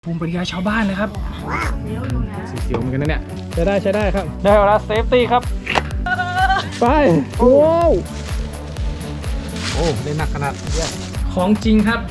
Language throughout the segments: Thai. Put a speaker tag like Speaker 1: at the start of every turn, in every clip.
Speaker 1: ภูมิปัญญาชาวบ้านเลยครับเสียวเหมือนกันนะเนี่ยใช้ได้ครับได้เวลาเซฟตี้ครับไปโอ้ได้หนักขนาดของจริงครับ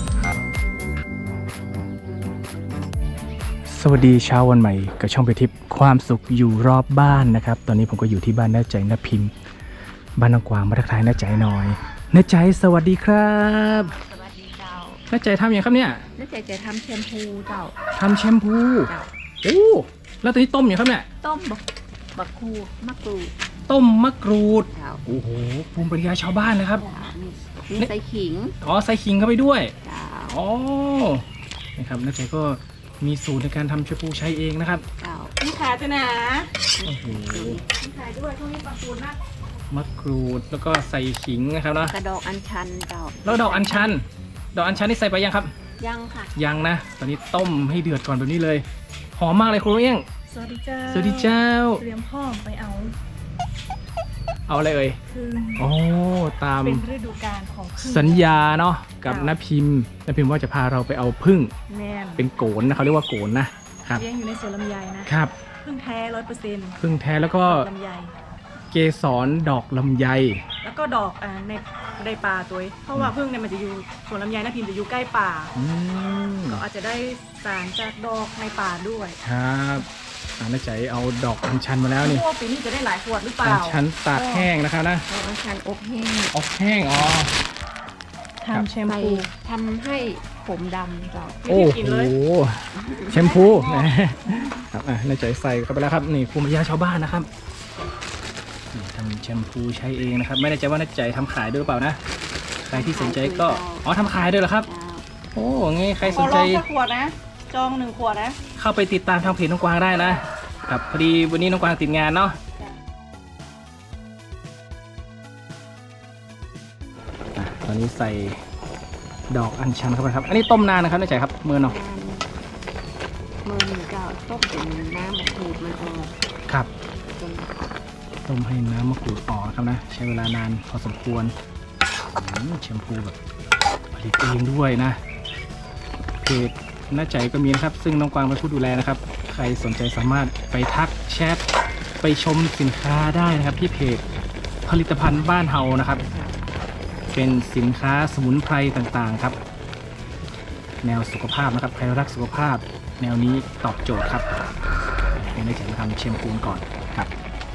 Speaker 1: สวัสดีเช้าวันใหม่กับช่องไปทิพย์ความสุขอยู่รอบบ้านนะครับตอนนี้ผมก็อยู่ที่บ้านน้าใจน้าพิมพ์บ้านน้องกวางมาทักทายน้าใจหน่อยน้าใจสวัสดีครับ
Speaker 2: สวัสดีเจ้า
Speaker 1: น้าใจทำอย่างครับเนี่ย
Speaker 2: น้าใจจะทำแชมพูเจ้า
Speaker 1: ทำแชมพูโอ้แล้วตอนนี้ต้มอย่างครับเนี่ย
Speaker 2: ต้มบักคูมะกรูด
Speaker 1: ต้มมะกรูด
Speaker 2: โ
Speaker 1: อ้โหภูมิปัญญาชาวบ้านเลยครับ
Speaker 2: นี่ใส่ขิง
Speaker 1: ใส่ขิงเข้าไปด้วย
Speaker 2: อ๋อ
Speaker 1: นะครับน้าใจก็มีสูตรในการทำแชมพูใช้เองนะครับ
Speaker 2: นี่ขาจะหนา
Speaker 1: โอ้โห
Speaker 2: นี่ขาด้วยช่วงนี้มะกรูดนะ
Speaker 1: มะกรูดแล้วก็ใส่ขิงนะครับเนาะ
Speaker 2: กระดอกอัญชันเจ้า
Speaker 1: แล้วดอกอัญชันนี่ใส่ไปยังครับ
Speaker 2: ยังค่ะ
Speaker 1: ยังนะตอนนี้ต้มให้เดือดก่อนแบบนี้เลยหอมมากเลยครูเอี้ยง
Speaker 3: สวัสดีเจ้า
Speaker 1: สวัสดีเจ้า
Speaker 3: เตรียมพร้อมไปเอา
Speaker 1: อะไรเอ่ยโอ้ตาม
Speaker 3: เป็นฤดูกาลของ
Speaker 1: สัญญาเนาะกับน้าพิมพ์ว่าจะพาเราไปเอาผึ้งเป็นโกนนะเขาเรียกว่าโกนนะครับ
Speaker 3: เลี้ยงอยู่ในสวนลำไยนะครับผึ้งแท้ 100%
Speaker 1: ผึ้งแท้แล้วก็
Speaker 3: ลำไย
Speaker 1: เกสรดอกลำไย
Speaker 3: แล้วก็ดอกในป่าตัวเพราะว่าผึ้งเนี่ยมันจะอยู่สวนลำไยน้าพิมพ์จะอยู่ใกล้ป่าก็อาจจะได้สารจากดอกในป่าด้วย
Speaker 1: ครับน้าใจเอาดอกอัญชันมาแล้วนี่
Speaker 3: ปีนี้จะได้หลายขวดหรือเปล่า
Speaker 1: อัญชันตากแห้งนะครับนะ
Speaker 2: อัญชันอบแห้
Speaker 1: ง
Speaker 3: ทำแชมพู
Speaker 2: ทำให้ผมดำเจ้า
Speaker 1: โอ้โหแชมพูครับน้าใจใส่เข้าไปแล้วครับนี่ภูมิปัญญาชาวบ้านนะครับทำแชมพูใช้เองนะครับไม่แน่ใจว่าน้าใจทำขายด้วยหรือเปล่านะใครที่สนใจก็ทำขายด้วยเหรอครับโอ้งี้ใครสนใจ
Speaker 3: ขวดนะจอง1 ขวดนะ
Speaker 1: เข้าไปติดตามทางเพจน้องกวางได้นะครับพอดีวันนี้น้องกวางติดงานเนาะตอนนี้ใส่ดอกอัญชันเข้าไปครับอันนี้ต้มนานนะครับน้าใจครับมือเนาะ
Speaker 2: มือหนึ่งเจ้าต้มเป็นน้ำมะกรูดมันออก
Speaker 1: ครับต้มให้น้ำมะกรูดออกนะครับนะใช้เวลานานพอสมควรแชมพูแบบผลิตเองด้วยนะเพจน้าใจก็มีนะครับซึ่งน้องกวางเป็นผู้ดูแลนะครับใครสนใจสามารถไปทักแชทไปชมสินค้าได้นะครับที่เพจผลิตภัณฑ์บ้านเฮานะครับเป็นสินค้าสมุนไพรต่างๆครับแนวสุขภาพนะครับใครรักสุขภาพแนวนี้ตอบโจทย์ครับเป็นน้าใจทำแชมพูก่อนครับ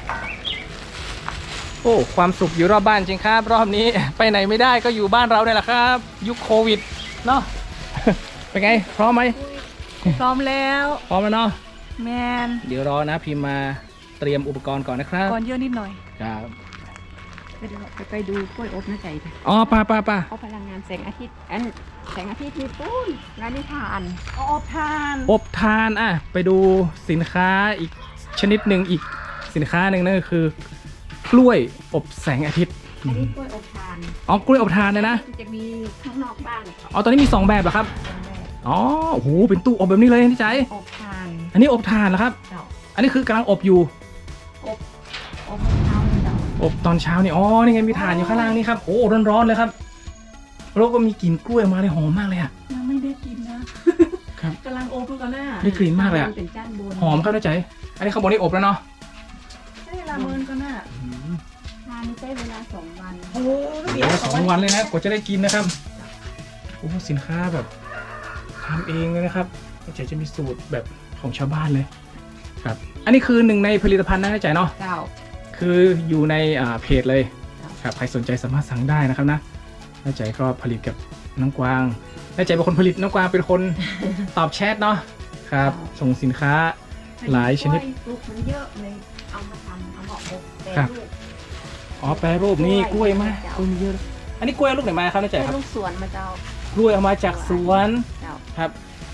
Speaker 1: โอ้ความสุขอยู่รอบบ้านจริงครับรอบนี้ไปไหนไม่ได้ก็อยู่บ้านเราเนี่ยแหละครับยุคโควิดเนาะเป็นไงพร้อมไหม
Speaker 3: พร้อมแล้ว
Speaker 1: เนาะ
Speaker 3: แมน
Speaker 1: เดี๋ยวรอนะพิมพ์มาเตรียมอุปกรณ์ก่อนนะครับ
Speaker 3: ก่อนเยอะนิดหน่อย
Speaker 1: ครับ
Speaker 2: ไปดูกล้วยอบน้าใจ
Speaker 1: ป้า
Speaker 2: เอาพลังงานแสงอาทิตย์แสงอาทิตย์มีปุ้นงานนิทาน
Speaker 3: อบ
Speaker 1: ทานไปดูสินค้าอีกชนิดหนึ่งอีกสินค้าหนึ่งนั่นก็คือกล้วยอบแสงอาทิตย์
Speaker 2: อันนี้กล้วยอบทาน
Speaker 1: กล้วยอบทานเลยนะ
Speaker 2: จะมีข้างนอกบ้าน
Speaker 1: ตอนนี้มี2 แบบเหรอครับโอ้โหเป็นตู้อบแบบนี้เลยนี่ใจ
Speaker 2: อบทาน
Speaker 1: อันนี้อบทานเหรอครับอันนี้คือกำลังอบอยู่
Speaker 2: อบเช้าเจ้า
Speaker 1: อบตอนเช้านี่นี่ไงมีถ่านอยู่ข้างล่างนี่ครับโอ้ร้อนๆเลยครับแล้วก็มีกลิ่นกล้วยมาเลยหอมมากเลย
Speaker 3: ยังไม่ได้กินนะครับกำลังอบกันหน้า
Speaker 1: ได้กลิ่นมากเลยหอมครับน้าใจอันนี้ข้างบนนี่อบแล้วเนาะ
Speaker 3: ใช่ละเมินกันน่ะ
Speaker 2: ทานใช้เวลา2 วัน
Speaker 3: โอ้
Speaker 1: 2 วันเลยนะกว่าจะได้กินนะครับโอ้สินค้าแบบทำเองเลยนะครับน้าใจจะมีสูตรแบบของชาวบ้านเลยครับอันนี้คือ1ในผลิตภัณฑ์นะน้าใจเนาะคืออยู่ในเพจเลยครับใครสนใจสามารถสั่งได้นะครับนะน้าใจก็ผลิตกับน้องกวางน้าใจเป็นคนผลิตน้องกวางเป็นคนตอบแชทเนาะครับส่งสินค้าหลายชนิด
Speaker 2: มันเยอะเลยเอามาทำเอามาอบ
Speaker 1: ครับแปรรูปนี่กล้วยมากเยอะอันนี้กล้วยลูกไหนมาครับน้าใจครับ
Speaker 2: ลูกสวนมาเจ้าก
Speaker 1: ล้วยเอามาจากสวนครับ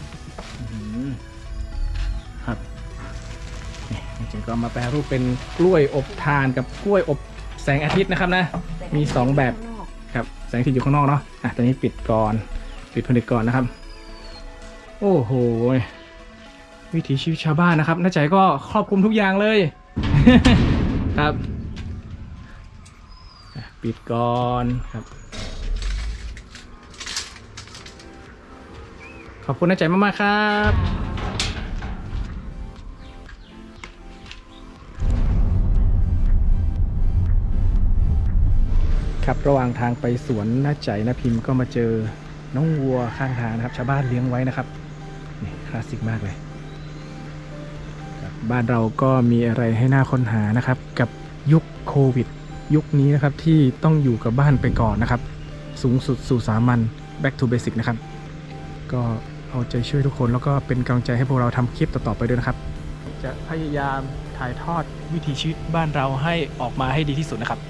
Speaker 1: ครับนี่จริงๆก็มาแปรรูปเป็นกล้วยอบทานกับกล้วยอบแสงอาทิตย์นะครับนะมี2 แบบครับแสงอาทิตย์อยู่ข้างนอกเนาะตอนนี้ปิดผลิตก่อนนะครับโอ้โหวิถีชีวิตชาวบ้านนะครับน้าใจก็ครอบคลุมทุกอย่างเลยครับปิดก่อนครับขอบคุณน้าใจมากๆครับครับระหว่างทางไปสวนน้าใจน้าพิมพ์ก็มาเจอน้องวัวข้างทางนะครับชาวบ้านเลี้ยงไว้นะครับนี่คลาสสิกมากเลยบ้านเราก็มีอะไรให้น่าค้นหานะครับกับยุคโควิดยุคนี้นะครับที่ต้องอยู่กับบ้านไปก่อนนะครับสูงสุดสู่สามัญ back to basic นะครับก็เอาใจช่วยทุกคนแล้วก็เป็นกำลังใจให้พวกเราทำคลิปต่อๆไปด้วยนะครับจะพยายามถ่ายทอดวิถีชีวิตบ้านเราให้ออกมาให้ดีที่สุดนะครับ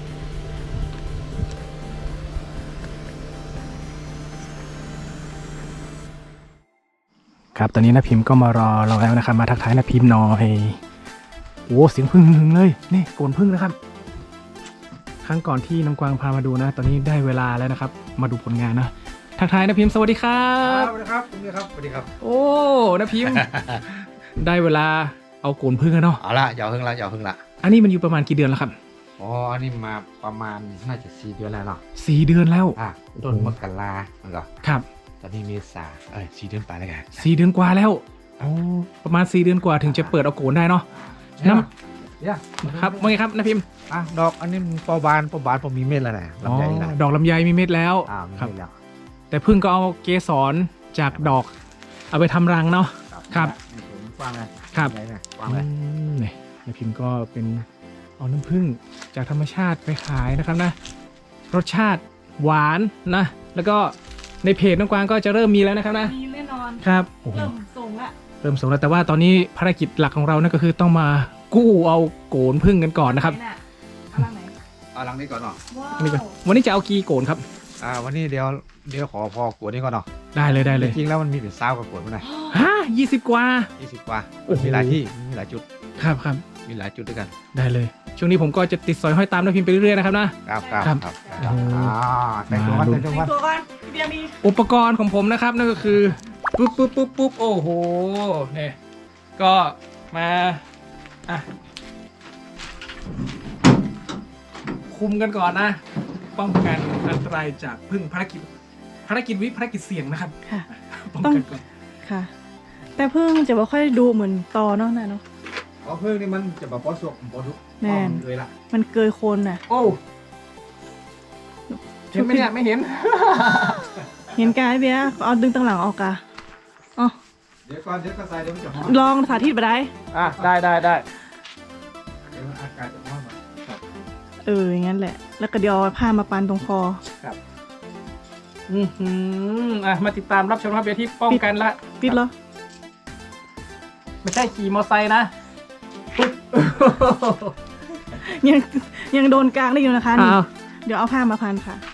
Speaker 1: ครับตอนนี้น้าพิมพ์ก็มารอเราแล้วนะครับมาทักทายน้าพิมพ์หน่อยโอ้เสียงพึ่งหึงเลยนี่โกนพึ่งนะครับครั้งก่อนที่น้องกวางพามาดูนะตอนนี้ได้เวลาแล้วนะครับมาดูผลงานนะทักทายน้าพิมพ์สวัสดีครับ
Speaker 4: สวัสดีครับคุณครับสวัสดีครับ
Speaker 1: โอ้น้าพิมพ์ ได้เวลาเอาโกนพึ่งแล้วเนาะ
Speaker 4: เอาละอย่าพึ่งละอย่าพึ่งละ
Speaker 1: อันนี้มันอยู่ประมาณกี่เดือนแล้วครับ
Speaker 4: อ๋ออันนี้มาประมาณน่าจะ4 เดือนแล้วเนาะ
Speaker 1: 4 เดือนแล้ว
Speaker 4: ต้นมกราเหรอ
Speaker 1: ครับ
Speaker 4: ตอนนี้เมษา4 เดือนไปแล้วกัน
Speaker 1: 4 เดือนกว่าแล้วโอ้ประมาณ4 เดือนกว่าถึงจะเปิดเอาโกนได้เนาะน้ำครับว่าไงครับน้าพิมพ์
Speaker 4: ดอกอันนี้ปอบานผมมีเม็ดแล้วนะลำไยแล้ว
Speaker 1: ดอกลำไยมีเม็ดแล้ว
Speaker 4: มี
Speaker 1: ครับ
Speaker 4: เม็ดแล้ว
Speaker 1: แต่พึ่งก็เอาเกสรจากดอกเอาไปทำรังเนาะ ครับ
Speaker 4: กว้างเลย
Speaker 1: ครับ
Speaker 4: ใหญ่นะกว้างเลย
Speaker 1: นี่น้าพิมพ์ก็เป็นเอาน้ำผึ้งจากธรรมชาติไปขายนะครับนะรสชาติหวานนะแล้วก็ในเพจน้องกวางก็จะเริ่มมีแล้วนะครับนะ
Speaker 3: มีแน่นอน
Speaker 1: ครับโอ้โห
Speaker 3: เริ่มส่งละ
Speaker 1: เริ่มส่งแล้วแต่ว่าตอนนี้ภารกิจหลักของเรานั่นก็คือต้องมากู้เอาโกนผึ้งกันก่อนนะครับ
Speaker 3: ไหนน่ะเอาล่างไหน
Speaker 4: เอาลังนี้ก่อนเนาะ
Speaker 3: ว้า
Speaker 1: อันนี้ก่อน
Speaker 3: ว
Speaker 1: วันนี้จะเอากี่โกนครับ
Speaker 4: วันนี้เดี๋ยวขอพอกวดนี้ก่อนเนาะ
Speaker 1: ได้เลยได้
Speaker 4: จ
Speaker 1: เลย
Speaker 4: ริงๆแล้วมันมีเป็น20 กว่ากวดมั้ยนะ
Speaker 1: ฮะ20 กว่า
Speaker 4: 20 กว่า
Speaker 1: โอ้โห
Speaker 4: มีหลายที่มีหลายจุด
Speaker 1: ครับครับ
Speaker 4: มีหลายจุดด้วยกัน
Speaker 1: ได้เลย ช่วงนี้ผมก็จะติดสอยห้อยตามน้าพิมพ์ไปเรื่อยๆนะครับนะครับ
Speaker 4: ครับแต่งตัวกัน
Speaker 1: มาดู
Speaker 4: แต่งตัว
Speaker 3: แต่
Speaker 4: กั
Speaker 3: ง
Speaker 4: น
Speaker 3: ตัวก่อนพี่เบียร์มี
Speaker 1: อุปกรณ์ของผมนะครับนั่นก็คือปุ๊บโอ้โหเนี่ยก็มาอ่ะคุมกันก่อนนะ ป้องกันอันตรายจากพึ่งภารกิจเสี่ยงนะครับ
Speaker 3: ค่ะ
Speaker 1: ป้องกันก่อน
Speaker 3: ค่ะ แต่เพิ่งจะไม่ค่อยดูเหมือนตอเนาะนะเนาะ
Speaker 4: เพิ่งนี่มันจะแบบปอสวกปอทุก
Speaker 3: แม่น
Speaker 4: เลยล่ะ
Speaker 3: มันเกยโคนน่ะ
Speaker 1: โอ้เห็นไหมเนี่ยไม่เห็น
Speaker 3: เห็นกายเบียร์เอาดึงตั้งหลังออกกะอ๋อ
Speaker 4: เดี๋ยวก็ใส่เดี๋ยวมันจะฮ้อน
Speaker 3: ลองสาธิตไปได้
Speaker 1: ได้
Speaker 4: เดี๋ยวอากาศจะฮ้อนหน่อย
Speaker 3: อย่างนั้นแหละ แล้วก็เดี๋ยวเอาผ้ามาปันตรงคอ
Speaker 1: มาติดตามรับชมครับเบียร์ที่ป้องกันละ
Speaker 3: ปิดเหรอ
Speaker 1: ไม่ใช่ขี่มอเตอร์ไซค์นะ
Speaker 3: ยังโดนกลางได้อยู่นะคะนี่
Speaker 1: อ้าว
Speaker 3: เดี๋ยวเอาผ้ามาพันค่ะ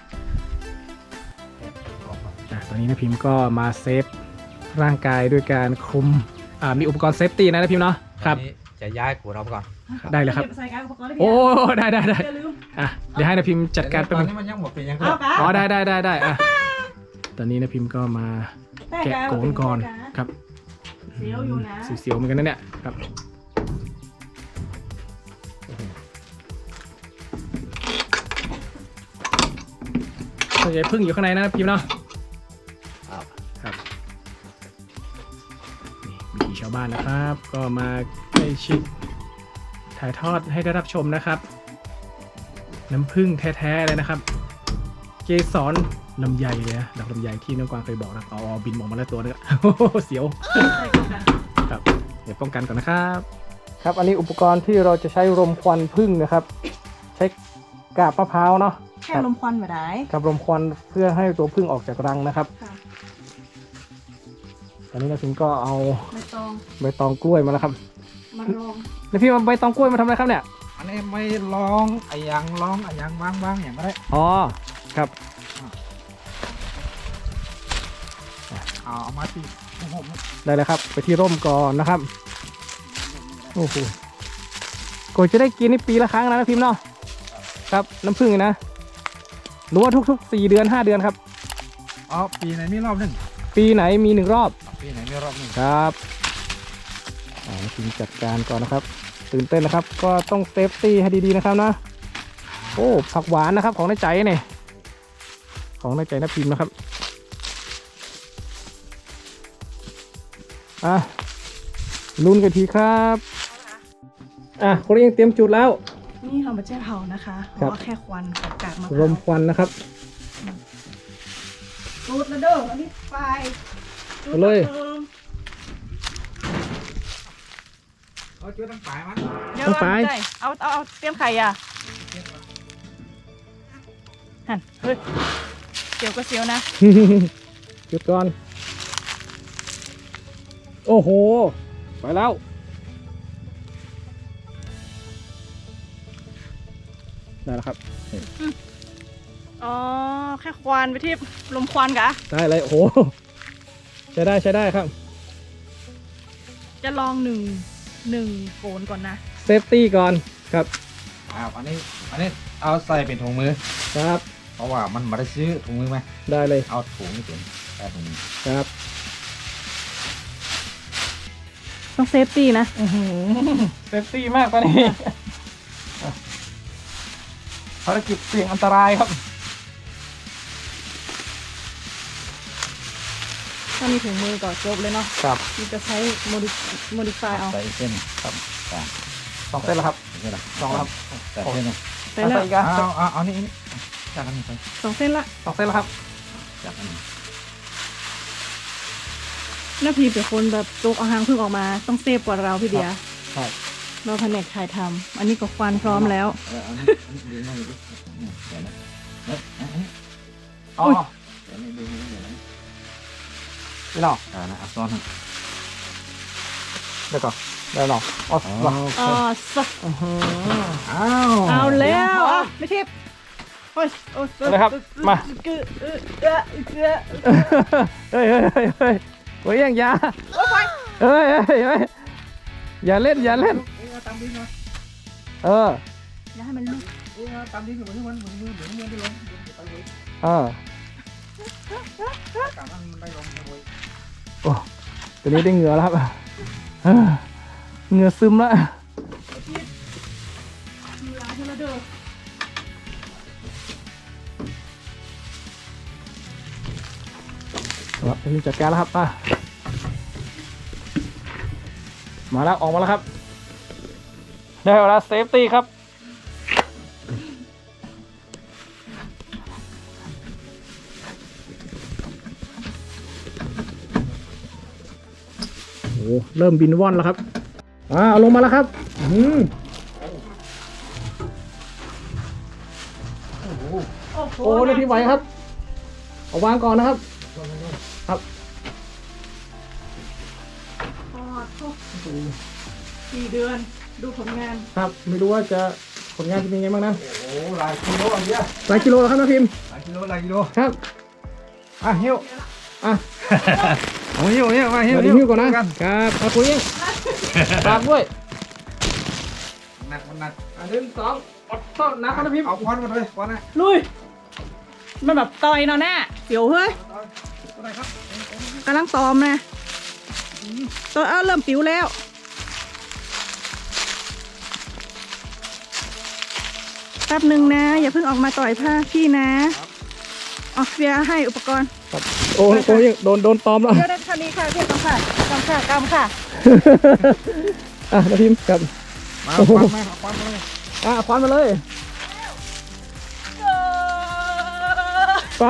Speaker 1: ตอนนี้นะพิมพ์ก็มาเซฟร่างกายด้วยการคลุมมีอุปกรณ์เซฟตี้นะพิมพ์เนาะครับ
Speaker 4: อันนี้จะย้ายขวดเราไปก่อน
Speaker 1: ได้เลยครับ
Speaker 3: ใส่กายอุปกรณ์ได้
Speaker 1: โอ้ได้
Speaker 3: อย่าลืม
Speaker 1: เดี๋ยวให้นะพิมพ์จัดการ
Speaker 4: ต
Speaker 1: แป๊บ
Speaker 4: อน
Speaker 1: นึง
Speaker 4: นี้มันยังหมดเป็นยังไง
Speaker 3: เอากะ
Speaker 1: อ๋อได้ตอนนี้นะพิมพ์ก็มาแกะโกนก่อนครับ
Speaker 3: เสียวอยู่นะ
Speaker 1: เสียวๆเหมือนกันนะเนี่ยครับส่วนใหญ่พึ่งอยู่ข้างในนะพิมพ์เนาะครับนี่วิถีชาวบ้านนะครับ ก็มาใกล้ชิดถ่ายทอดให้ได้รับชมนะครับ น้ำผึ้งแท้ๆเลยนะครับ เกสรลำไยเลยนะดอกลำไยที่น้องกวางเคยบอกนะบินออกมาแล้วตัวนึง เสียว
Speaker 3: ใส่ก่อนค่ะ
Speaker 1: ครับเดี๋ยวป้องกันก่อนนะครับครับอันนี้อุปกรณ์ที่เราจะใช้รมควันผึ้งนะครับ ใช้กาบมะพร้าวเนาะ
Speaker 3: แค่ลมควันมาได้
Speaker 1: กับรมควันเพื่อให้ตัวผึ้งออกจากรังนะครับ
Speaker 3: ค่ะ
Speaker 1: ตอนนี้นะพิมก็เอา
Speaker 3: ไม่ต้อง
Speaker 1: ใบตองกล้วยมาแล้วครับ
Speaker 3: มาลอง
Speaker 1: แล้วพี่เอาใบตองกล้วยมาทำอะไรครับเนี่ย
Speaker 4: อันนี้ไม่ร้องไอ้ยังร้องไอ้ยังว่างๆอย่างก็ได้
Speaker 1: อ๋อครับ
Speaker 4: เอามาตีผม
Speaker 1: ได้เลยครับ ไปที่ร่มก่อนนะครับโอ้โหก่อนจะได้กินนี่ปีละครั้งนะพิมพ์เนาะครับน้ำผึ้งนะหรือว่าทุกๆ4 เดือน 5 เดือนครับ
Speaker 4: ปีไหนมีรอบหนึ่ง
Speaker 1: ปีไหนมี1 รอบ
Speaker 4: ปีไหนมีรอบหนึ่ง
Speaker 1: ครับพิมจัดการก่อนนะครับ ตื่นเต้นนะครับ ก็ต้องเซฟตี้ให้ดีๆนะครับนะ โอ้ผักหวานนะครับของน้าใจเนี่ยของน้าใจน้าพิมพ์นะครับอ่ะลุ้นกันทีครับคนนี้ยังเตรียมจุดแล้ว
Speaker 3: นี่เรามาแจ้เผานะคะเพ
Speaker 1: ครับ
Speaker 3: ราะว่าแค่ควันของกากมะพ
Speaker 1: ร
Speaker 3: ร้าว
Speaker 1: มควันนะครับ
Speaker 3: จุดแล้วเด้ออันนี้ไฟจุด
Speaker 1: เอาเลย
Speaker 4: เอาจุดตั้งปลายมัน
Speaker 3: เดี๋ยว
Speaker 1: ต้องไป
Speaker 3: ได้เอาเตรียมไข่อ่ะหันเฮ้ยเสียวก็เสียวนะ
Speaker 1: จุดก่อน โอ้โห ไปแล้ว ได้แล้วครับ
Speaker 3: อ๋อแค่ควันไปที่ลมควันกะ
Speaker 1: ได้เลย โอ้โห ใช้ได้ใช้ได้ครับ
Speaker 3: จะลองหนึ่งโกนก่อนนะ
Speaker 1: เซฟตี้ก่อนครับ
Speaker 4: อันนี้เอาใส่เป็นถุงมือ
Speaker 1: ครับ
Speaker 4: เพราะว่ามันมาได้ซื้อถุงมือไหม
Speaker 1: ได้เลย
Speaker 4: เอาถุงนี่เป็นใส่ถุงมือ
Speaker 1: ครับ
Speaker 3: ต้องเซฟตี้นะ
Speaker 1: เซฟตี้มากตอนนี้ภารกิจเสี่ยงอันตรายครับ
Speaker 3: ถ้ามีถุงมือก่อนจบเลยเนาะ
Speaker 1: ครับ
Speaker 3: มันจะใช้โมดิฟายเอา
Speaker 4: ใส่เส้นครับ
Speaker 1: สองเส้นแล้วครับ
Speaker 4: เส้นละ
Speaker 1: สองแล้วครับ
Speaker 4: ใส่เส้นนะ
Speaker 3: ไปแล้ว
Speaker 1: อีกอ่ะ
Speaker 4: เอานี่จากอันนี้ไป
Speaker 3: 2 เส้นละ
Speaker 1: สองเส้นแล้วครับ
Speaker 4: จากอันนี้
Speaker 3: หน้าพีเป็นคนแบบโจกเอาหางพึ่งออกมาต้องเซฟกว่าเราพี่เดีย
Speaker 1: ใช่
Speaker 3: เราแผนกถ่ายทำอันนี้ก็ควันพร้อมแล้ว
Speaker 4: อันนี้ดึงมาดูดิเดี๋ยวนะอันนี้
Speaker 1: อ๋อ
Speaker 4: เดี๋ยวนี้ดึงเดี๋ยวนะ
Speaker 1: นี่เนาะ
Speaker 4: นะเอาซ้อน
Speaker 1: เดี๋ยวก่อนได้เนาะอ๋อ
Speaker 3: อ๋อสัก
Speaker 1: อ้าว
Speaker 3: เอาแล้วอ่ะไม่เทปโอ้ยโอ้ย
Speaker 1: เอาเลยครับมา
Speaker 3: เกลือเกลือเกลือ
Speaker 1: เฮ้ยโอ้ยยังอยาเฮ้ยอย่าเล่นอย่าเล่น
Speaker 4: ตามดิ้งมา
Speaker 3: อย่าให้มันลุก
Speaker 4: ตามดิ้งเหมือนที่มันเหมือนมือได้ลงไปเลย กลับมันได้ลงไปเลย
Speaker 1: โอ้ตอนนี้ได้เหงื่อแล้วครับเหงื่อซึมแล้ว
Speaker 3: มีร้านเทเลเดอร์
Speaker 1: ครับนี่จัดการแล้วครับมาแล้วออกมาแล้วครับได้เวลาเซฟตี้ครับโอ้เริ่มบินว่อนแล้วครับเอาลงมาแล้วครับโอ้ได้พี่ไหวครับเอาวางก่อนนะครับครับ
Speaker 3: ทอด4 เดือนดูผลงาน
Speaker 1: ครับไม่รู้ว่าจะผลงานจะเป็นไงบ้างนะ
Speaker 4: โอ้หลายกิโลอันเนี้ย
Speaker 1: หลายกิโลแล้วครับน้าพิมพ์
Speaker 4: หลายกิโล
Speaker 1: ครับ
Speaker 4: หิ้ว
Speaker 1: อ่ะ
Speaker 4: เอาหิ้วมา
Speaker 1: เดี๋ยวหิ้วก่อนนะครับเอาคุยเองฝากด้วย
Speaker 4: หนักมันหนัก
Speaker 1: 1 2อดต้อนนะครับน้าพิมพ์
Speaker 4: เอาควันมาเลยควันนะ
Speaker 3: ลุยมันแบบต่อยเนาะแน่เสียวเฮ้ย
Speaker 4: ตัวไหนครับ
Speaker 3: กำลังตอมนะตัวเริ่มปิวแล้วแป๊บหนึ่งนะ อย่าเพิ่งออกมาต่อยผ้าพี่นะอ๋อเฟียให้อุปกรณ์
Speaker 1: โอ้ยโดนตอมแล้ว
Speaker 3: เดี๋ยวได้เท่านี้ค่ะเพียงกำค่ะกำค่ะ
Speaker 1: น้าพิมพ์ครับ
Speaker 4: มาควันมาควันมาเลย
Speaker 1: ควันมาเลยไป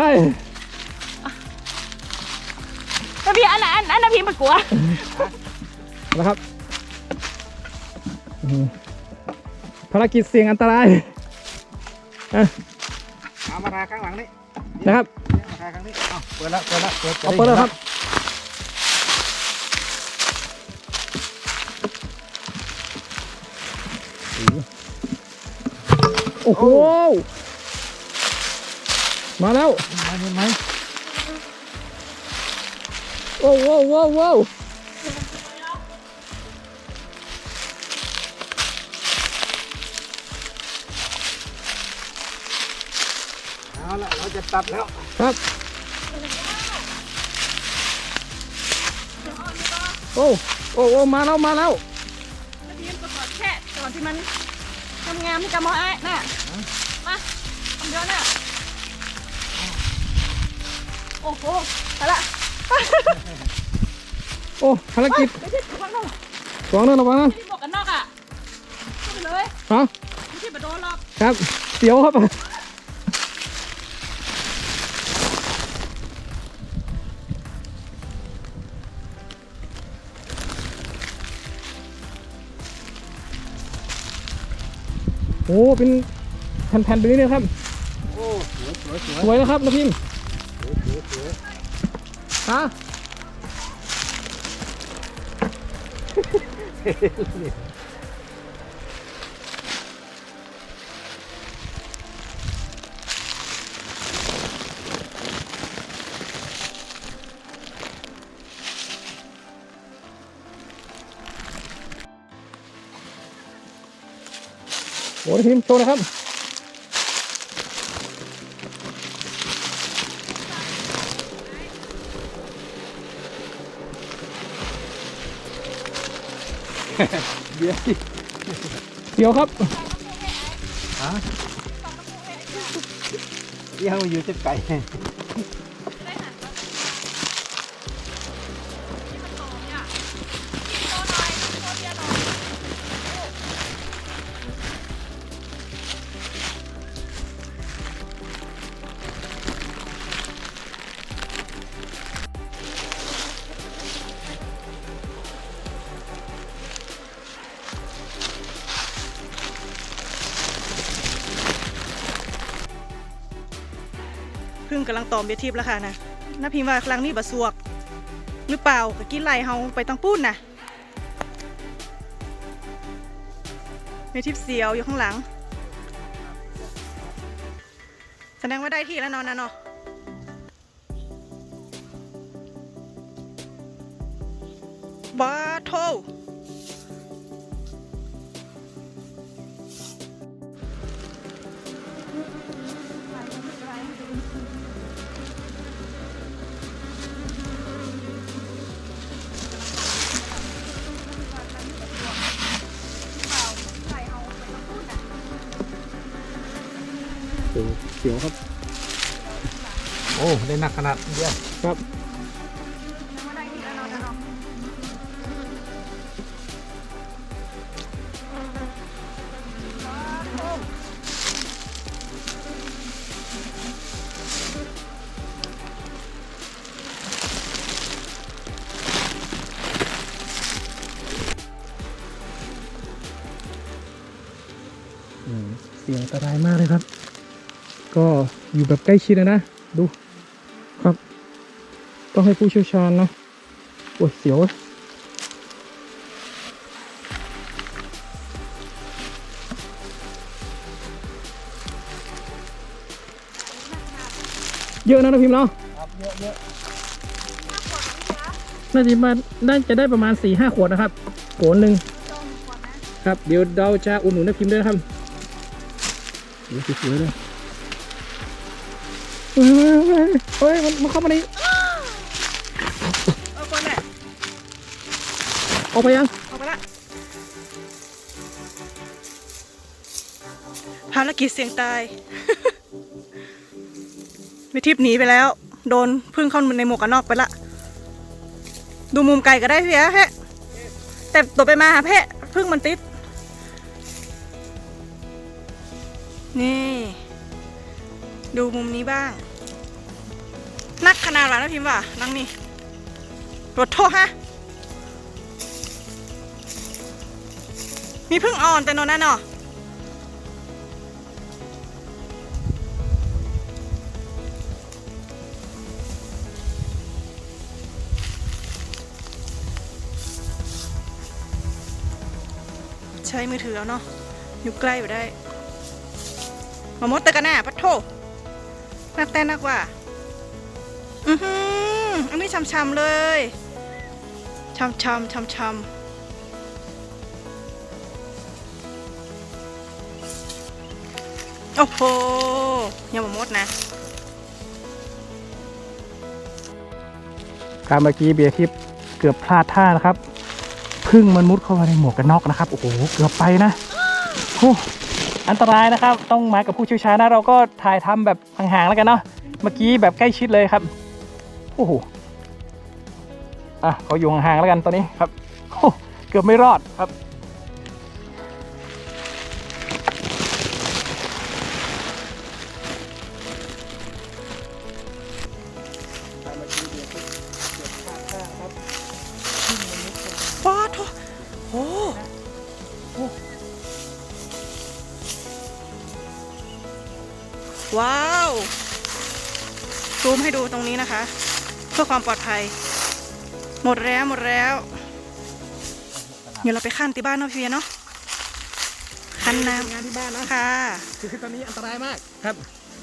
Speaker 3: นะพี่อันนะพี่มากลัว
Speaker 1: นะครับภารกิจเสี่ยงอันตราย
Speaker 4: เอามาทาข้างหลังนี่
Speaker 1: นะครับ
Speaker 4: มาทาข้างนี้เปิดแล้ว
Speaker 1: เอาเปิดเลยครับโอ้โหมาแล้ว
Speaker 4: เห็นไหม
Speaker 1: โอ้โห
Speaker 4: เอาละเราจะตัดแล้ว
Speaker 1: ครับโอ้มาแล้ว
Speaker 3: นะพี่ก็กดแค่ก่อนที่มันทำงานที่กำมอไอ้น่ะมาทำเยอะน่ะโอ้โหไปละ
Speaker 1: โอ้ภารกิจ
Speaker 3: ไม่ใช่ระวังนะ
Speaker 1: ระวังนะระวังนะ
Speaker 3: ที่หมวกกันน็อกอ่ะขึ้นไปเลย
Speaker 1: ฮะ
Speaker 3: ไม่ใช่มาโดนหรอก
Speaker 1: ครับเสียวครับโอ้เป็นแผ่นๆแบบนี้เลยครับ
Speaker 4: โอ้สวย
Speaker 1: สวยนะครับนะพิมพ์
Speaker 4: สวย
Speaker 1: ฮะโอ้นะพิมพ์โชว์นะครับเดี๋ยวครับ
Speaker 4: ฮะยังอยู่จะไก่
Speaker 3: พึ่งกำลังตอมเบียทิพย์แล้วค่ะนะน้าพิมพ์ว่าครั้งนี้บะสวก หรือเปล่าก็กินไหลเฮาไปตั้งปุ้นนะเบียทิพย์เสียวอยู่ข้างหลัง แสดงว่าได้ที่แล้วเนอนนะเนาะบาโท
Speaker 1: เสียวครับ
Speaker 4: โอ้ได้หนักขนาดเดียว
Speaker 1: ครับเสียงอันตรายมากเลยครับ ก็อยู่แบบใกล้ชิดนะดูครับ ต้องให้ผู้เชี่ยวชาญนะโอ้ยเสียวเยอะนะพิมพ์เนาะ
Speaker 4: ครับเยอะ
Speaker 1: น่าจะได้ประมาณ 4-5 ขวดนะครับโกนหนึ่งครับเดี๋ยวเราจะอุดหนุนนะพิมพ์ด้วยนะครับเดี๋ยวสวยๆเลยเฮ้ยมันเข้ามาใน
Speaker 3: เอาก่อนแหละ
Speaker 1: ออกไปยัง
Speaker 3: เอาไปละภารกิจเสี่ยงตาย วิทิพย์หนีไปแล้ว โดนพึ่งเข้าในหมวกกันน็อกไปละ ดูมุมไกลก็ได้พี่แฮะแต่ตัวไปมาหาเพะพึ่งมันติด นี่ ดูมุมนี้บ้าง นักขนาดหวานนะพิมพ์ว่ะนั่งนี่รถโทษฮะ มีพึ่งอ่อนแต่นอนนั่นเนาะใช้มือถือเอาเนาะอยู่ใกล้อยู่ได้ มามดตะกันแน่ปัดโทนักแต่นักว่าอันนี้ช้ำๆเลยช้ำโอ้โหยังมามดนะ
Speaker 1: การเมื่อกี้เบียร์ทิพย์เกือบพลาดท่านะครับพึ่งมันมุดเข้ามาในหมวกกันน็อกนะครับโอ้โหเกือบไปนะโอ้อันตรายนะครับต้องมากับผู้เชี่ยวชาญนะเราก็ถ่ายทำแบบห่างๆแล้วกันเนาะเมื่อกี้แบบใกล้ชิดเลยครับโอ้โหขออยู่ห่างๆแล้วกันตอนนี้ครับโอ้เกือบไม่รอดครับ
Speaker 3: ว้าวโอ้ว้าวซูมให้ดูตรงนี้นะคะ เพื่อความปลอดภัยหมดแล้วเดี๋ยวเราไปขั้นที่บ้านเนาะพี่เวียเนาะขั้นน้ำ
Speaker 1: งานที่บ้านนะ
Speaker 3: ค่ะ
Speaker 1: คือตอนนี้อันตรายมากครับ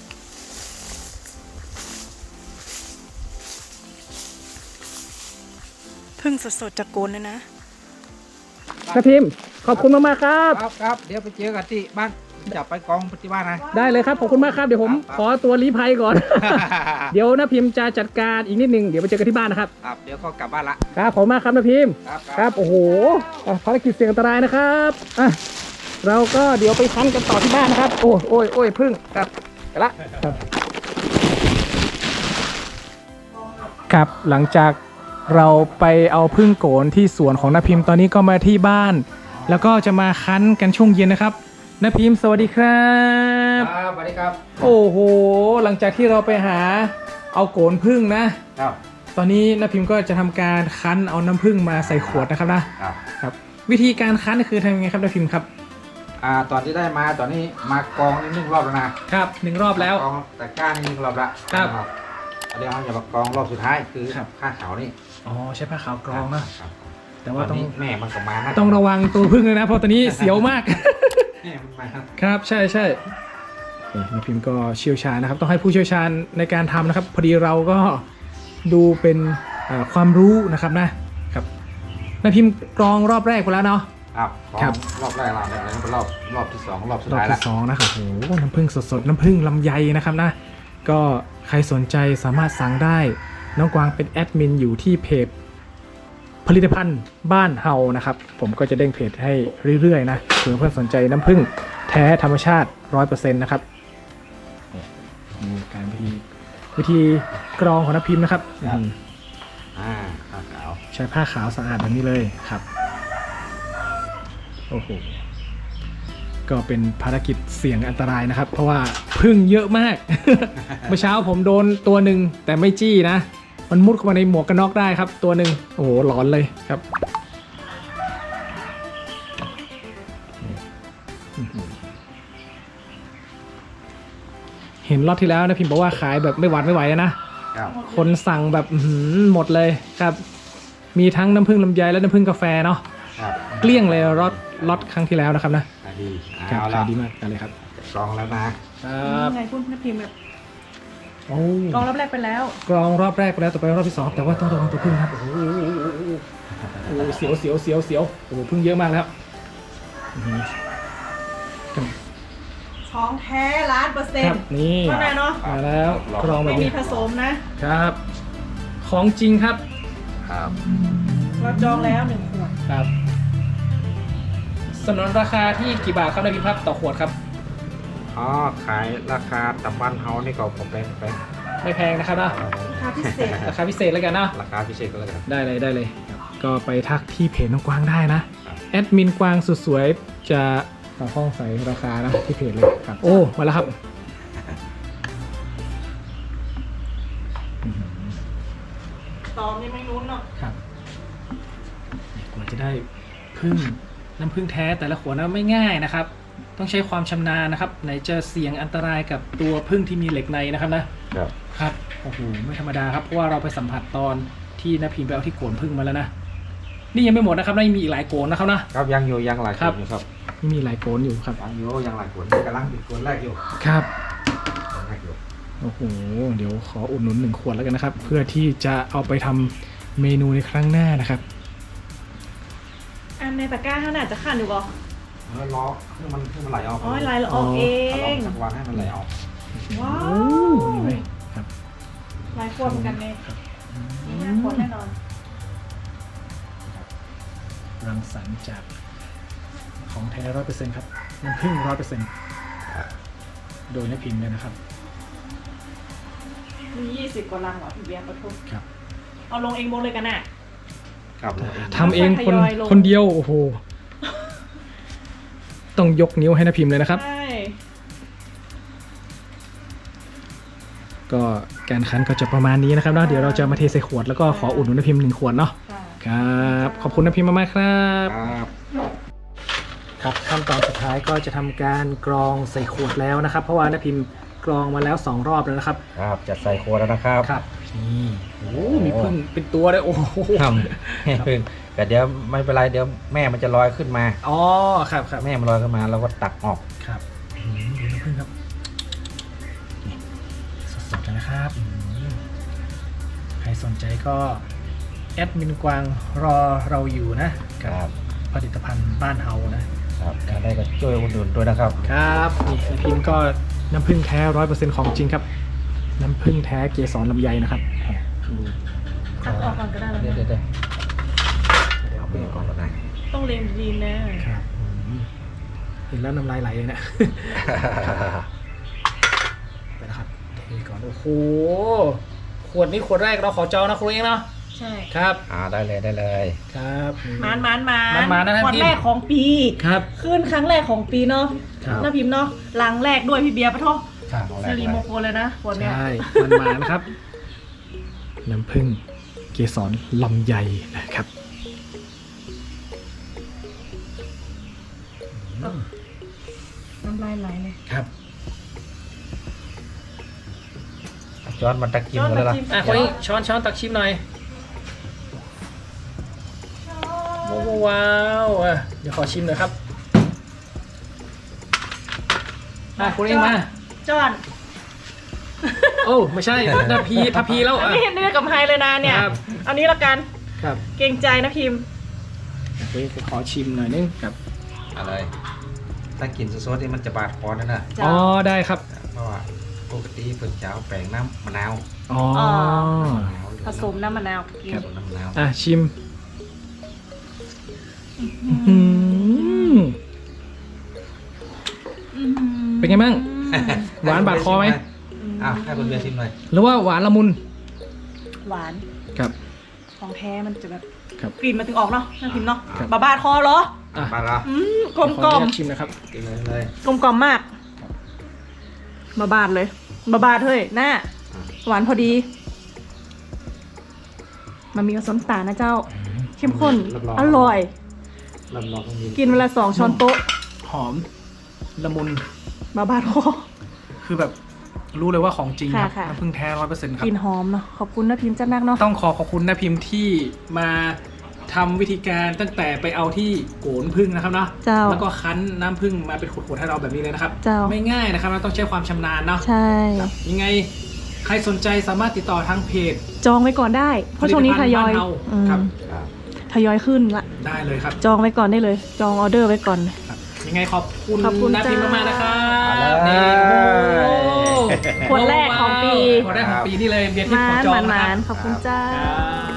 Speaker 3: พึ่งสดๆจากโกนเลยนะ
Speaker 1: นะพิมพ์ขอบคุณมากๆครับ
Speaker 4: ครับเดี๋ยวไปเจอกันที่บ้านจับไปกองปฏิบัตินะ
Speaker 1: ได้เลยครับขอบคุณมากครับเดี๋ยวผมขอตัวลี้ภัยก่อน เดี๋ยวนะพิมพ์จะจัดการอีกนิดนึงเดี๋ยวไปเจอกันที่บ้านนะครับ
Speaker 4: ครับเดี๋ยวก็กลับบ้านละ
Speaker 1: ครับขอบคุณมากครับนะพิมพ์
Speaker 4: ครับ
Speaker 1: ครับโอ้โหภารกิจเสี่ยงอันตรายนะครับเราก็เดี๋ยวไปคั้นกันต่อที่บ้านนะครับโอ้ยพึ่งครับไปละครับหลังจากเราไปเอาพึ่งโกนที่สวนของนพิมพ์ตอนนี้ก็มาที่บ้าน แล้วก็จะมาคั้นกันช่วงเย็นนะครับนพิมพ์สวัสดีครับ
Speaker 4: ครับสวัสดีครับ
Speaker 1: โอ้โหหลังจากที่เราไปหาเอาโกนพึ่งนะครับ ตอนนี้นพิมพ์ก็จะทำการคั้นเอาน้ำพึ่งมาใส่ขวดนะครับนะครับวิธีการคั้นคือทำยังไงครับนพิมพ์ครับ
Speaker 4: ตอนที่ได้มาตอนนี้มากองนิดนึงรอบแล้วนะครับ
Speaker 1: 1 รอบแล้ว
Speaker 4: กองแต่ก้านนิดนึงรอบละ
Speaker 1: ครับ
Speaker 4: เดี๋ยวเราจะมากองรอบสุดท้ายคือ
Speaker 1: ครับ
Speaker 4: ข้าขาวนี่
Speaker 1: อ๋อใช้ผ้าขาวกรองนะครับ แต่ว่า
Speaker 4: ตอน
Speaker 1: ต้อง
Speaker 4: นี้แม่มันก็มานะ
Speaker 1: ต้องระวังตัวพึ่งเลยนะเพราะตอนนี้เสียวมาก
Speaker 4: แม่มันมาครับ
Speaker 1: ครับใช่นี่นพิมพ์ก็เชี่ยวชาญนะครับ ต้องให้ผู้เชี่ยวชาญในการทำนะครับ พอดีเราก็ดูเป็นความรู้นะครับนะครับนพิมพ์กรองรอบแรกไปแล้วเนาะ
Speaker 4: ครับกอง
Speaker 1: ครับ
Speaker 4: รอบแรกเราเนี่ยแล้วก็รอบที่สองรอบสุด
Speaker 1: รอบ
Speaker 4: ท้ายละ
Speaker 1: ที่2นะครับโอ้โหน้ำผึ้งสดๆน้ำผึ้งลำไยนะครับนะก็ใครสนใจสามารถสั่งได้น้องกวางเป็นแอดมินอยู่ที่เพจผลิตภัณฑ์บ้านเฮานะครับผมก็จะเด้งเพจให้เรื่อยๆนะเผื่อเพื่อนสนใจน้ำผึ้งแท้ธรรมชาติ 100% นะครับนี่การวิธีกรองของน้ำพิมพ์นะครับ
Speaker 4: ข้าขาว
Speaker 1: ใช้ผ้าขาวสะอาดแบบนี้เลยครับโอ้โหก็เป็นภารกิจเสี่ยงอันตรายนะครับ เพราะว่าพึ่งเยอะมาก เมื่อเช้าผมโดนตัวหนึ่งแต่ไม่จี้นะ มันมุดเข้ามาในหมวกกันน็อกได้ครับตัวหนึ่งโอ้โหหลอนเลยครับเห็นรอบที่แล้วนะพิมพ์บอกว่าขายแบบไม่หวัดไม่ไหวแล้วนะครับ คนสั่งแบบหมดเลยครับ มีทั้งน้ำผึ้งลำไยและน้ำผึ้งกาแฟเนาะ
Speaker 4: ครับ
Speaker 1: เกลี้ยงเลยล็อตครั้งที่แล้วนะครับนะ
Speaker 4: ขายดี
Speaker 1: ครับ
Speaker 4: เอาละ
Speaker 1: ขายดีมากกันเลยครับ
Speaker 4: กรองแล้วนะ
Speaker 1: ครับ
Speaker 3: ไงคุณนพิมพ์แบบ
Speaker 1: โอ้
Speaker 3: กองรอบแรกไปแล้ว
Speaker 1: กรองรอบแรกไปแล้วต่อไปรอบที่2แต่ว่าต้องระวังตัวพึ่งครับโอ้โหเสียวโอ้โหพึ่งเยอะมากแล้วอื้อหือ
Speaker 3: ของแท้1,000,000%
Speaker 1: ครับนี่
Speaker 3: เท่านั้นเนาะ
Speaker 1: มาแล้วกรองแบ
Speaker 3: ไม่
Speaker 1: บ
Speaker 3: มี
Speaker 1: นี้
Speaker 3: ผสมนะ
Speaker 1: ครับ ของจริงครับ
Speaker 4: ครับ
Speaker 3: เราจองแล้ว1 ขวด
Speaker 1: ครับสนนราคาที่กี่บาทครับในพิมพ์ครับต่อขวดครับ
Speaker 4: อ๋อขายราคาตับบ้านเฮานี่ก็ผมเป็น
Speaker 1: ไม่แพงนะครับนะ
Speaker 3: ราคาพิเศษ
Speaker 1: ราคาพิเศษแล้วกันนะ
Speaker 4: ราคาพิเศษก็แล้วกัน
Speaker 1: ได้เลยก็ไปทักที่เพจน้องกวางได้นะครับ แอดมินกวางสุดสวยจะต่อห้องใส่ราคานะที่เพจเลยครับ โอ้มาแล้วครับอื้อหือ
Speaker 3: ตอมนี่ไม่นุ้นเนาะ
Speaker 1: ครับกว่าจะได้พึ่งน้ำพึ่งแท้แต่ละขวดนะไม่ง่ายนะครับ ต้องใช้ความชำนาญนะครับไหนจะเสี่ยงอันตรายกับตัวพึ่งที่มีเหล็กในนะครับนะครับโอ้โหไม่ธรรมดาครับเพราะว่าเราไปสัมผัสตอนที่นพิมพ์ไปเอาที่โกนพึ่งมาแล้วนะนี่ยังไม่หมดนะครับยังมีอีกหลายโกนนะครับนะครับ
Speaker 4: ยังอยู่ยังหลาย
Speaker 1: ครั
Speaker 4: ค
Speaker 1: บ
Speaker 4: นอยู่ครับ
Speaker 1: นี่มีหลายโกนอยู่ครับ
Speaker 4: ยังหลายคนกำลังติดคนแรกอยู่
Speaker 1: ครับ
Speaker 4: คนแรกอยู่
Speaker 1: โอ้โหเดี๋ยวขออุดหนุน1 ขวดแล้วกันนะครับ เพื่อที่จะเอาไปทำเมนูในครั้งหน้านะครับ
Speaker 3: อันในตะกร้าข้างหน้าจะขันอยู่บ่
Speaker 4: แล้วล้อให้มันไหลออก
Speaker 3: อ๋อลายละออกเอ
Speaker 4: ลอง สักวันให้มันไหลออก
Speaker 3: ว้า
Speaker 1: โอ้
Speaker 3: ว
Speaker 1: นี่เลยครับ
Speaker 3: ลายขวดเหมือนกันเลยมี5 ขวดแน่นอน
Speaker 1: รังสรรค์จากของแท้ 100% ครับน้ำผึ้ง 100% โดยนพิมพ์เลยนะครับ
Speaker 3: มี20 กว่าลังเหรอพี่เบียร์ปะทุก
Speaker 1: ครับ
Speaker 3: เอาลงเองหมดเลยกันน่ะ
Speaker 4: ครับ
Speaker 1: ทำเองคน
Speaker 3: ทยอยลง
Speaker 1: คนเดียวโอ้โหต้องยกนิ้วให้นะพิมพ์เลยนะครับ
Speaker 3: ใช่
Speaker 1: ก็การคั้นก็จะประมาณนี้นะครับเนาะเดี๋ยวเราจะมาเทใส่ขวดแล้วก็ขออุดหนุนนะพิมพ์1 ขวดเนาะ
Speaker 3: ค่ะ
Speaker 1: ครับขอบคุณนะพิมพ์มากๆครับ
Speaker 4: ครับ
Speaker 1: ครับขั้นตอนสุดท้ายก็จะทำการกรองใส่ขวดแล้วนะครับ เพราะว่านะพิมพ์กรองมาแล้ว2 รอบแล้วนะครับ
Speaker 4: ครับจะใส่ขวดแล้วนะครับ
Speaker 1: ครับนี่โอ้มีพึ่งเป็นตัวเลยโอ้โห
Speaker 4: ทำให้พึ่งแต่เดี๋ยวไม่เป็นไรเดี๋ยวแม่มันจะลอยขึ้นมา
Speaker 1: อ๋อครับครับ
Speaker 4: แม่มันลอยขึ้นมาเราก็ตักออก
Speaker 1: ครับดูน้ำผึ้งครับนี่สดๆเลยนะครับใครสนใจก็แอดมินกวางรอเราอยู่นะกับผลิตภัณฑ์บ้านเฮานะครับ
Speaker 4: ถ้าได้ก็ช่วยอุดหนุนด้วยนะครับ
Speaker 1: ครับนี่นะพิมพ์ก็น้ำผึ้งแท้ 100% ของจริงครับ น้ำผึ้งแท้เกสรลำไยนะครับดู
Speaker 3: คัดออกก่อนก็ได้แล้ว
Speaker 4: เดี๋ยว
Speaker 3: นะ
Speaker 4: เดี๋ยว
Speaker 1: เดี๋ยวเอา
Speaker 4: เอา
Speaker 1: ไป
Speaker 4: ไป
Speaker 1: ก่
Speaker 4: ก่
Speaker 1: อ
Speaker 4: อน นแล้วนะ
Speaker 3: ต้องเรียนดีๆนะครับ
Speaker 1: เห็นแล้วน้ำลายไหลเลยนะไปนะครับเทก่อนโอ้โหขวดนี้ขวดแรกเราขอจองนะครูเองเนาะ
Speaker 3: ใช่
Speaker 1: ครับ
Speaker 4: ได้เลยได้เลย
Speaker 1: ครับ
Speaker 3: มาน
Speaker 1: นะท่าน
Speaker 3: วัน
Speaker 1: พิมพ์
Speaker 3: แรกของปี
Speaker 1: ครับ
Speaker 3: ขึ้นครั้งแรกของปีเนาะ
Speaker 1: ครับ
Speaker 3: น้าพิมพ์เนาะหลังแรกด้วยพี่เบียร์ปะท้อ
Speaker 4: ครับ
Speaker 3: สิริมงคลเลยนะคนเนี้ย
Speaker 1: ใช่มันมานะครับ น้ำผึ้งเกสรลำไยนะครับ
Speaker 3: น้ำลายไหลเลย
Speaker 1: ครับ
Speaker 4: จอนมันตะกินกันแล้วล่ะ
Speaker 1: อ่ะคนนี้ช้อนตักชิมหน่อยว้าวอ่ะเดี๋ยวขอชิมหน่อยครับคนนี้มา
Speaker 3: จอน
Speaker 1: โอ้ไม่ใช่นาพีทัพพีแล้ว
Speaker 3: อันนี้เนื้อกับไฮเลยนะเนี่ย
Speaker 1: ครับ
Speaker 3: เอานี้ละกัน
Speaker 1: ครับ
Speaker 3: เกรงใจนะพิมพ์
Speaker 1: คนนี้ขอชิมหน่อยนึงครับ
Speaker 4: อะไรถ้ากินสดๆนี่มันจะบาดคอนะ
Speaker 3: จ้ะ
Speaker 1: อ๋อได้ครับ
Speaker 4: เพราะว่าปกติเพิ่นจะเอาแป้งน้ำมะนาว
Speaker 1: อ๋อ
Speaker 3: ผสมน้ำมะนาวกิน
Speaker 4: ผสมน้ำมะนาว
Speaker 1: อ่ะชิมเป็นไงบ้าง หวานบาดคอไหม
Speaker 4: อ้าวให้คุณเบียร์ชิมหน่อย
Speaker 1: หรือว่าหวานละมุน
Speaker 3: หวาน
Speaker 1: ครับ
Speaker 3: ของแท้มันจะแบบ
Speaker 1: ครับ
Speaker 3: กลิ่นมันถึงออกเนาะน้าพิมพ์เนาะ
Speaker 1: ครับ
Speaker 3: บาดคอเหรอ
Speaker 1: อ่ะ
Speaker 4: มาแล้ว
Speaker 3: กลม
Speaker 1: ข
Speaker 3: ก
Speaker 1: อ
Speaker 3: ล่อ
Speaker 1: อ
Speaker 3: ม
Speaker 1: นุญาตชิมนะครับ
Speaker 4: กินเลย
Speaker 3: กลมกล่อมมากบาดเลยบาดเฮ้ยหน้าหวานพอดี มันมีผสมตาลนะเจ้า เข้มข้น อร่อย
Speaker 4: ลำลองตรงนี้
Speaker 3: กินเวลา2 ช้อนโต๊ะ
Speaker 1: หอมละมุน
Speaker 3: บาดคอ
Speaker 1: คือแบบรู้เลยว่าของจริงครับ
Speaker 3: ค่ะ
Speaker 1: น้ำผึ้งแท้ 100% ครับ
Speaker 3: กลิ่นหอมเนาะขอบคุณนะพิมพ์จัดนักเนาะ
Speaker 1: ต้องขอบคุณนะพิมพ์ที่มาทำวิธีการตั้งแต่ไปเอาที่โกนผึ้งนะครับเนาะ
Speaker 3: เจ้า
Speaker 1: แล้วก็คั้นน้ำผึ้งมาเป็นขวดๆให้เราแบบนี้เลยนะครับ
Speaker 3: เจ้า
Speaker 1: ไม่ง่ายนะครับเราต้องใช้ความชำนาญเนาะ
Speaker 3: ใช่
Speaker 1: ครับยังไงใครสนใจสามารถติดต่อทางเพจ
Speaker 3: จองไว้ก่อนได้ เพราะช่วงนี้ทยอย
Speaker 1: ผลิตภัณฑ์บ้านเฮาครับ
Speaker 4: ครับ
Speaker 3: ทยอยขึ้นละ
Speaker 1: ได้เลยครับ
Speaker 3: จองไว้ก่อนได้เลย จองออเดอร์ไว้ก่อน
Speaker 1: ครับยังไงขอบคุณ
Speaker 3: ขอบคุณ
Speaker 1: นะพิมพ์
Speaker 3: จ้าม
Speaker 1: มากๆนะครับ
Speaker 4: เอา
Speaker 1: นี่
Speaker 4: เลย
Speaker 1: โอ้โห
Speaker 3: ขวดแรกของปี
Speaker 1: ขวดแรกของปีนี่เลยเบียร์ทิพย์ขอ
Speaker 3: มาน
Speaker 1: จอง
Speaker 3: ห
Speaker 1: นะ
Speaker 3: มา
Speaker 1: ครั
Speaker 3: น
Speaker 1: บ
Speaker 3: ๆขอบคุณเจ้า
Speaker 1: ครับ